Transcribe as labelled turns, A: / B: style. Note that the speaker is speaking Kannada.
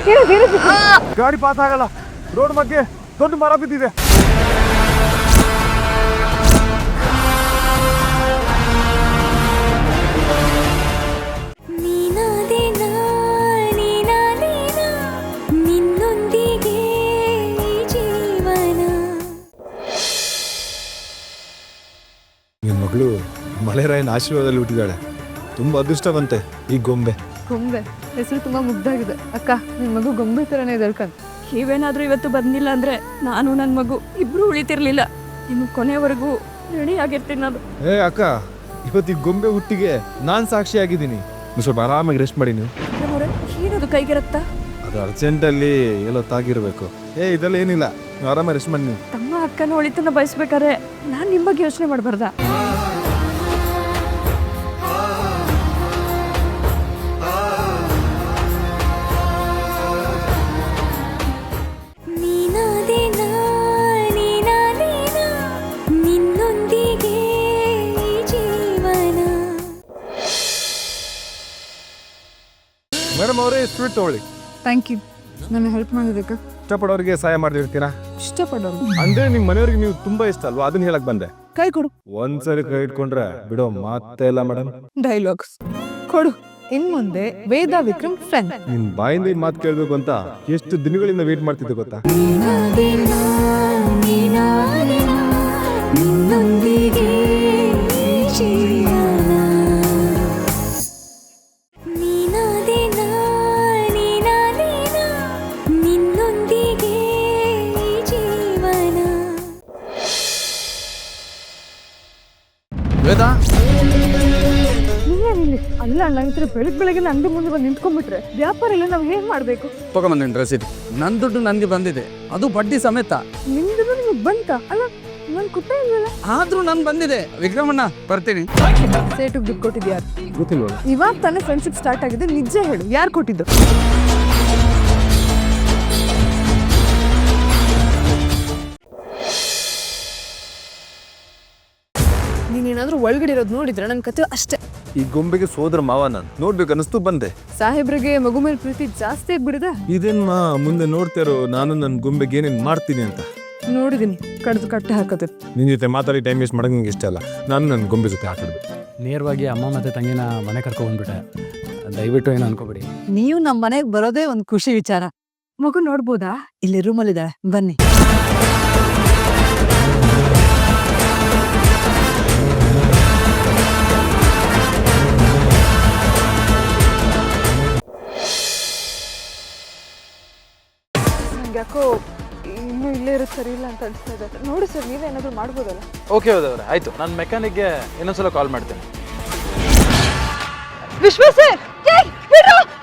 A: ಗಾಡಿ ಪಾಸ್ ಆಗಲ್ಲ. ರೋಡ್ ಬಗ್ಗೆ ದೊಡ್ಡ ಮರ ಬಿದ್ದಿದೆ. ನಿನ್ನ ಮಗಳು ಮಳೆರಾಯನ ಆಶೀರ್ವಾದದಲ್ಲಿ ಹುಟ್ಟಿದಾಳೆ. ತುಂಬಾ ಅದೃಷ್ಟವಂತೆ ಈ ಗೊಂಬೆ.
B: ಹೆಸರು ತುಂಬಾ ಮುಗ್ಧಾಗಿದೆ. ಅಕ್ಕ, ನಿನ್ ಮಗು ಗೊಂಬೆ ತರನೇ ಇದ್ಕಂತ.
C: ನೀವೇನಾದ್ರೂ ಇವತ್ತು ಬಂದಿಲ್ಲ ಅಂದ್ರೆ ನಾನು ನನ್ನ ಮಗು ಇಬ್ರು ಉಳಿತಿರ್ಲಿಲ್ಲ. ಇನ್ನು ಕೊನೆವರೆಗೂ ರೆಡಿ ಆಗಿರ್ತೀನಿ ನಾನು.
A: ಅಕ್ಕ, ಇವತ್ತು ಈ ಗೊಂಬೆ ಹುಟ್ಟಿಗೆ ನಾನ್ ಸಾಕ್ಷಿಯಾಗಿದ್ದೀನಿ. ನೀವು ಸ್ವಲ್ಪ ಆರಾಮಾಗಿ ರೆಸ್ಟ್ ಮಾಡಿ. ನೀವು
C: ಏನದು ಕೈಗೆ ರಕ್ತ?
A: ಅದು ಅರ್ಜೆಂಟಲ್ಲಿ ಎಲ್ಲೋ ತಾಗಿರ್ಬೇಕು. ಇದೆಲ್ಲ ಏನಿಲ್ಲ, ನೀವು ಆರಾಮಾಗಿ ರೆಸ್ಟ್ ಮಾಡಿ. ನೀವು
C: ತಮ್ಮ ಅಕ್ಕನ ಒಳಿತನ್ನ ಬಯಸ್ಬೇಕಾದ್ರೆ ನಾನು ನಿಮ್ಮ ಬಗ್ಗೆ ಯೋಚನೆ ಮಾಡಬಾರ್ದ?
A: ಮೇಡಮ್ ಅವರೇ, ಸ್ವೀಟ್ ತಗೊಳ್ಳಿ.
B: Thank you. ನನ್ನ ಹೆಲ್ಪ್ ಮಾಡೋದಕ್ಕೆ.
A: ಇಷ್ಟಪಡೋರಿಗೆ ಸಹಾಯ ಮಾಡಿರ್ತೀರಾ?
B: ಇಷ್ಟಪಡೋರು
A: ಅಂದ್ರೆ ನಿಮ್ ಮನೆಯವ್ರಿಗೆ ನೀವು ತುಂಬಾ ಇಷ್ಟ ಅಲ್ವಾ, ಅದನ್ನ ಹೇಳಕ್ ಬಂದೆ.
B: ಕೈ ಕೊಡು.
A: ಒಂದ್ಸರಿ ಕೈ ಇಟ್ಕೊಂಡ್ರೆ ಬಿಡೋ ಮಾತೇ ಇಲ್ಲ ಮೇಡಮ್.
B: ಡೈಲಾಗ್ಸ್ ಕೊಡು. ಇನ್ ಮುಂದೆ ವೇದ ವಿಕ್ರಮ್ ಫ್ರೆಂಡ್.
A: ನಿನ್ ಬಾಯಿಂದ ಈ ಮಾತು ಕೇಳ್ಬೇಕು ಅಂತ ಎಷ್ಟು ದಿನಗಳಿಂದ ವೇಟ್ ಮಾಡ್ತಿದ್ದೆ ಗೊತ್ತಾ?
B: ಅಲ್ಲ ನಂತರ ಬೆಳಗ್ಗೆ ಅಂಗಡಿ ಮುಂದೆ ಬಂದು ನಿಂತ್ಕೊಂಡ್ಬಿಟ್ರೆ ವ್ಯಾಪಾರ ಎಲ್ಲ ನಾವು ಹೇಗ್ ಮಾಡ್ಬೇಕು?
D: ತಗೊಂಬಂದೇನು ರಸೀದಿ? ನನ್ನ ದುಡ್ಡು ನನಗೆ ಬಂದಿದೆ, ಅದು ಬಡ್ಡಿ ಸಮೇತ.
B: ನಿಮ್ದು ನಿಮಗೆ ಬಂತ? ಅಲ್ಲ ನನ್ ಕುಟ್ಟ ಇಲ್ವಲ್ಲ.
D: ಆದ್ರೂ ನನ್ ಬಂದಿದೆ. ವಿಕ್ರಮಣ್ಣ, ಬರ್ತೀನಿ.
B: ಸೇಟು ದುಡ್ಡು ಕೊಟ್ಟಿದ್ದು ಯಾರು?
A: ಗೊತ್ತಿಲ್ವ?
B: ಇವಾಗ ತಾನೇ ಫ್ರೆಂಡ್ಶಿಪ್ ಸ್ಟಾರ್ಟ್ ಆಗಿದೆ, ನಿಜ ಹೇಳು, ಯಾರು ಕೊಟ್ಟಿದ್ದು? ನೀನೇನಾದ್ರೂ ಒಳಗಡೆ ಇರೋದು ನೋಡಿದ್ರೆ ನನ್ನ ಕತೆ ಅಷ್ಟೇ.
A: ಈ ಗೊಂಬೆಗೆ ಸೋದರ ಮಾವ ನಾನು ನೋಡ್ಬೇಕು ಅನಿಸ್ತು ಬಂದೆ.
B: ಸಾಹೇಬ್ರಿಗೆ ಮಗು ಮೇಲೆ ಪ್ರೀತಿ ಜಾಸ್ತಿ ಆಗ್ಬಿಡಿದೆ.
A: ಇದೇನ್ ಮುಂದೆ ನೋಡ್ತಾರೋ ನಾನು ನನ್ನ ಗೊಂಬೆಗೆ ಏನೇನ್ ಮಾಡ್ತೀನಿ ಅಂತ.
B: ನೋಡಿದೀನಿ, ಕಡ್ದು ಕಟ್ಟೆ ಹಾಕೋದು.
A: ನಿನ್ ಜೊತೆ ಮಾತಾಡಿ ಟೈಮ್ ವೇಸ್ಟ್ ಮಾಡಕ್ ನಿಂಗೆ ಇಷ್ಟ ಅಲ್ಲ. ನಾನು ನನ್ನ ಗೊಂಬೆ ಜೊತೆ ಹಾಕಿದ್ದೆ.
D: ನೇರವಾಗಿ ಅಮ್ಮ ಮತ್ತೆ ತಂಗಿನ ಮನೆ ಕರ್ಕೊಂಡ್ಬಿಟ್ಟೆ. ದಯವಿಟ್ಟು ಏನು ಅನ್ಕೋಬೇಡಿ.
E: ನೀವು ನಮ್ಮ ಮನೆಗೆ ಬರೋದೇ ಒಂದು ಖುಷಿ ವಿಚಾರ.
B: ಮಗು ನೋಡ್ಬೋದಾ?
E: ಇಲ್ಲಿ ರೂಮಲ್ಲಿದ್ದಾಳೆ, ಬನ್ನಿ.
B: ಯಾಕೋ ಇನ್ನೂ ಇಲ್ಲೇ ಇರೋದು ಸರಿ ಇಲ್ಲ ಅಂತ ಅನಿಸ್ತಾ ಇದೆ. ನೋಡಿ ಸರ್, ನೀವೇನಾದ್ರೂ ಮಾಡ್ಬೋದಲ್ಲ?
F: ಓಕೆ ಹೋದವ್ರೆ, ಆಯ್ತು. ನಾನು ಮೆಕ್ಯಾನಿಕ್ಗೆ ಇನ್ನೊಂದ್ಸಲ ಕಾಲ್ ಮಾಡ್ತೇನೆ.
B: ವಿಶ್ವ ಸರ್,